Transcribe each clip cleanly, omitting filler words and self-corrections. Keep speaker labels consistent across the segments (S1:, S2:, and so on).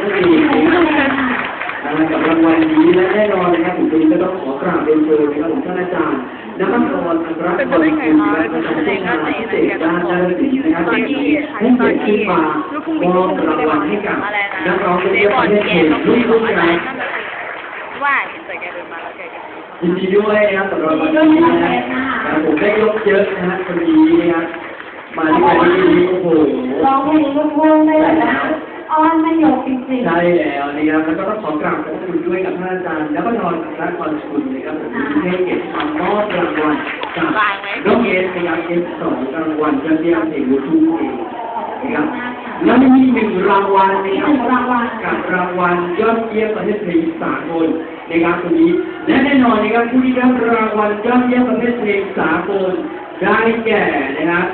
S1: นั่นเองกับรางวัลนี้และแน่นอนนะครับผมก็ต้องขอกราบเรียนเชิญนะครับผมท่านอาจารย์นภัสกร อัครพลคุณนะครับประธานงานพิเศษด้านด้านศิลป์นะครับให้เกียรติขึ้นมามอบรางวัลให้กับนักร้องยอดเยี่ยมประเทศไทยรุ่นครับ
S2: ว่าแต่แกเดินมาแล้วแก
S1: ยินดีด้วยนะครับสำหรับวันนี้นะครับผมได้ยกเยอะนะฮะคนนี้นะครับมาที่วันนี้โอ้โห
S3: ร้องเพลงลูกทุ่งได้เลยนะอ้อนไม่ยกจริงๆ
S1: ใช่แล้วนะครับแล้วก็ต้องขอกราบขอบคุณด้วยกับท่านอาจารย์นภัสกร อัครพลคุณนะครับผมที่ให้เกียรติมามอบรางวัลกับน้องเอสนะครับS2รางวัลยอดเยี่ยมเพลงลูกทุ่งเองนะครับแล้วมีหนึ่งรางวัลนะครับกับรางวัลยอดเยี่ยมประเทศไทยสากลนะครับตรงนี้และแน่นอนนะครับผู้ที่ได้รับรางวัลยอดเยี่ยมประเทศไทยสากลได้แก่นะครับ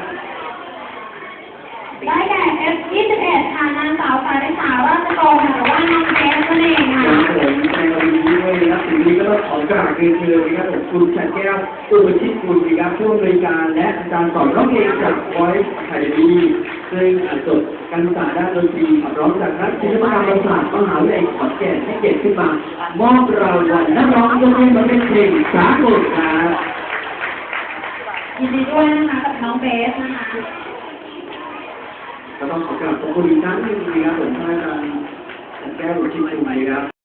S3: ได้แก่ F21 ค่ะนางสาวสายสาวราชกรหรือว่าน้องเจสนั่นเองค่ะ
S1: ผมในวันนี้ด้วยนะครับสิ่งนี้ก็ต้องขอกราบเรียนเชิญนะครับผมคุณชัดแก้วอุปชิตกุลนะครับผู้อำนวยการและอาจารย์สอนร้องเพลงจาก Voice Academy ซึ่งจบการศึกษาด้านดนตรีขับร้องจากนักศิลปกรรมศาสตร์มหาวิทยาลัยขอนแก่นให้เกียรติขึ้นมามอบรางวัลนักร้องยอดเยี่ยมประเภทเพลงสากลครับ
S3: ยินดีด้วยนะคะกับน้องเบสนะคะ
S1: ก็ต้องขอกราบขอบคุณอีกครั้งหนึ่งนะครับผมท่านอาจารย์แก้วอุปชิตกุลนะครับ